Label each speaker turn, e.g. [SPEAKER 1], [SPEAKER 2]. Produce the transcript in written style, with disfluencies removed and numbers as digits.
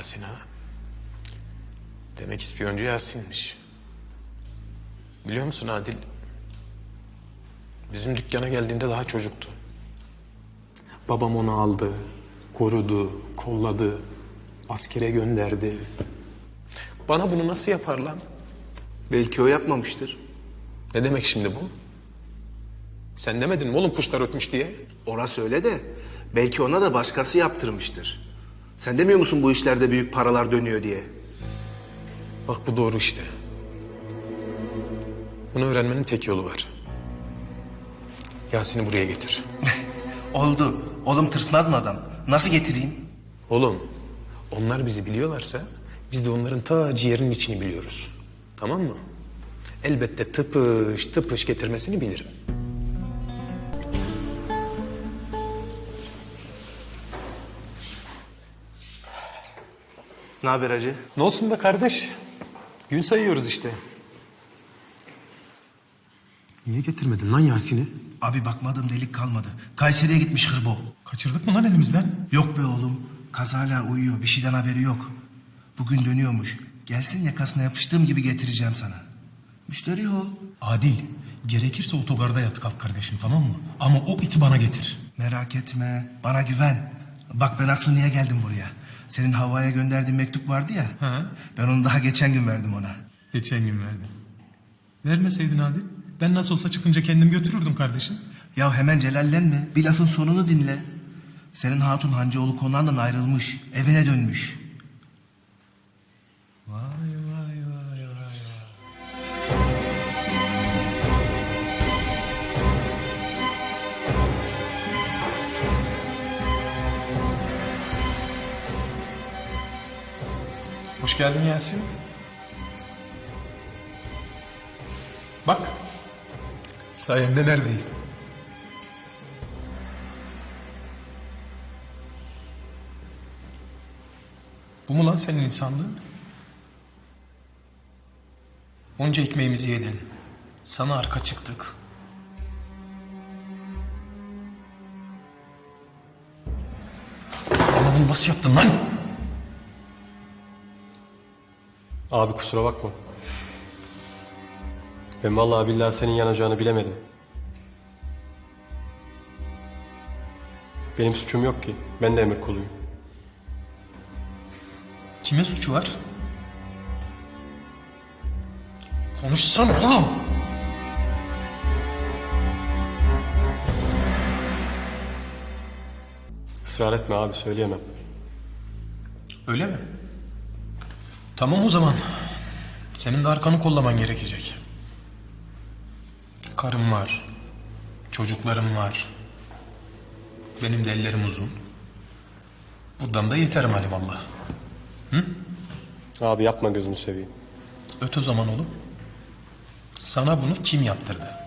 [SPEAKER 1] Yasin ha. Demek ispiyoncu Yasin'miş. Biliyor musun Adil? Bizim dükkana geldiğinde daha çocuktu. Babam onu aldı, korudu, kolladı, askere gönderdi. Bana bunu nasıl yapar lan?
[SPEAKER 2] Belki o yapmamıştır.
[SPEAKER 1] Ne demek şimdi bu? Sen demedin mi oğlum kuşlar ötmüş diye?
[SPEAKER 2] Orası öyle de belki ona da başkası yaptırmıştır. Sen demiyor musun bu işlerde büyük paralar dönüyor diye?
[SPEAKER 1] Bak bu doğru işte. Bunu öğrenmenin tek yolu var. Yasin'i buraya getir.
[SPEAKER 2] Oldu. Oğlum tırsmaz mı adam? Nasıl getireyim?
[SPEAKER 1] Oğlum, onlar bizi biliyorlarsa biz de onların ta ciğerinin içini biliyoruz. Tamam mı? Elbette tıpış tıpış getirmesini bilirim.
[SPEAKER 2] Ne haber hacı?
[SPEAKER 1] Ne olsun be kardeş? Gün sayıyoruz işte. Niye getirmedin lan Yasin'i?
[SPEAKER 2] Abi bakmadığım delik kalmadı. Kayseri'ye gitmiş hırbo.
[SPEAKER 3] Kaçırdık mı lan elimizden?
[SPEAKER 2] Yok be oğlum. Kaz hala uyuyor. Bir şeyden haberi yok. Bugün dönüyormuş. Gelsin yakasına yapıştığım gibi getireceğim sana. Müşteri ol.
[SPEAKER 3] Adil, gerekirse otogarda yat kalk kardeşim, tamam mı? Ama o iti bana getir.
[SPEAKER 2] Merak etme. Bana güven. Bak ben aslında niye geldim buraya? Senin Havva'ya gönderdiğin mektup vardı ya.
[SPEAKER 3] Ha?
[SPEAKER 2] Ben onu daha geçen gün verdim ona.
[SPEAKER 3] Geçen gün verdin. Vermeseydin Adil. Ben nasıl olsa çıkınca kendim götürürdüm kardeşim.
[SPEAKER 2] Ya hemen celallenme. Bir lafın sonunu dinle. Senin hatun Hancıoğlu konağından ayrılmış. Evine dönmüş.
[SPEAKER 3] Vay vay vay vay vay.
[SPEAKER 1] Hoş geldin Yasin. Bak, sayende neredeyim? Bu mu lan senin insanlığın? Onca ekmeğimizi yedin. Sana arka çıktık. Bana bunu nasıl yaptın lan?
[SPEAKER 4] Abi kusura bakma. Ben vallahi billahi senin yanacağını bilemedim. Benim suçum yok ki. Ben de emir kuluyum.
[SPEAKER 1] Kime suçu var? Konuşsana oğlum.
[SPEAKER 4] Israr etme abi, söyleyemem.
[SPEAKER 1] Öyle mi? Tamam o zaman. Senin de arkanı kollaman gerekecek. Karım var. Çocuklarım var. Benim de ellerim uzun. Buradan da yeterim halimallah.
[SPEAKER 4] Abi yapma, gözünü seveyim.
[SPEAKER 1] Öt o zaman oğlum. Sana bunu kim yaptırdı?